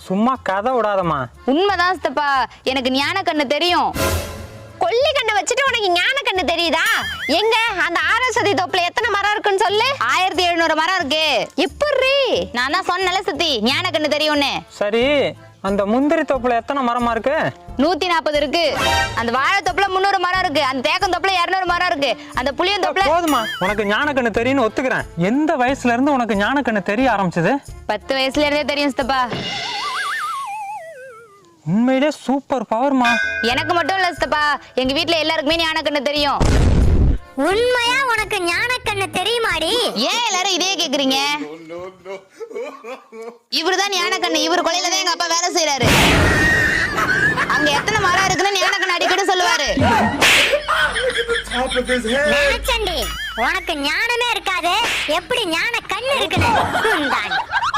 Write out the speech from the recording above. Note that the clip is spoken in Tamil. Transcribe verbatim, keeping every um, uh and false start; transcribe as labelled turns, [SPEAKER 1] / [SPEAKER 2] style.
[SPEAKER 1] சும்மா கதை விடாதம்மா.
[SPEAKER 2] உண்மைதான் சித்தப்பா, எனக்கு ஞான கண்ணு தெரியும்.
[SPEAKER 3] கொல்லி கண்ணை வச்சுட்டு உனக்கு ஞான கண்ணு தெரியுதா? எங்க அந்த ஆரஸ்வதி தோப்புல எத்தனை மரம் இருக்குன்னு சொல்லு.
[SPEAKER 2] ஆயிரத்தி எழுநூறு மரம் இருக்கு.
[SPEAKER 3] எப்படி?
[SPEAKER 2] நான் தான் சொன்னல சித்தி, ஞான கண்ணு தெரியும்னு.
[SPEAKER 1] சரி, அந்த முந்திரி தோப்புல எத்தனை மரமா இருக்கு?
[SPEAKER 2] நூத்தி நாற்பது இருக்கு. அந்த வாழை தோப்புல முன்னூறு மரம் இருக்கு. அந்த தேக்கம் தோப்புல இருநூறு மரம் இருக்கு. அந்த புளியம் தோப்புல.
[SPEAKER 1] போதுமா, உனக்கு ஞானக்கண்ணு தெரியும்னு ஒத்துக்கிறேன். எந்த வயசுல இருந்து உனக்கு ஞானக்கண்ணு தெரிய ஆரம்பிச்சது?
[SPEAKER 2] பத்து வயசுல இருந்தே தெரியும் சித்தப்பா.
[SPEAKER 1] உண்மையிலே சூப்பர் பவர்மா.
[SPEAKER 2] எனக்கு மட்டும் இல்ல சித்தப்பா, எங்க வீட்டுல எல்லாருக்குமே ஞான கண்ணு தெரியும்.
[SPEAKER 3] உண்மையா உனக்கு ஞான கண்ணு தெரியுமாடி?
[SPEAKER 2] ஏன் எல்லாரும் இதே கேக்குறீங்க? இவருதான் ஞான கண்ணு. இவர் கொலையில தான் எங்க அப்பா வேலை செய்யறாரு. அங்க எத்தனை மரம் இருக்குன்னு ஞான கண்ணு அடிக்கடி சொல்லுவாரு.
[SPEAKER 3] நினைச்சண்டி, உனக்கு ஞானமே இருக்காது, எப்படி ஞான கண்ணு இருக்குன்னு.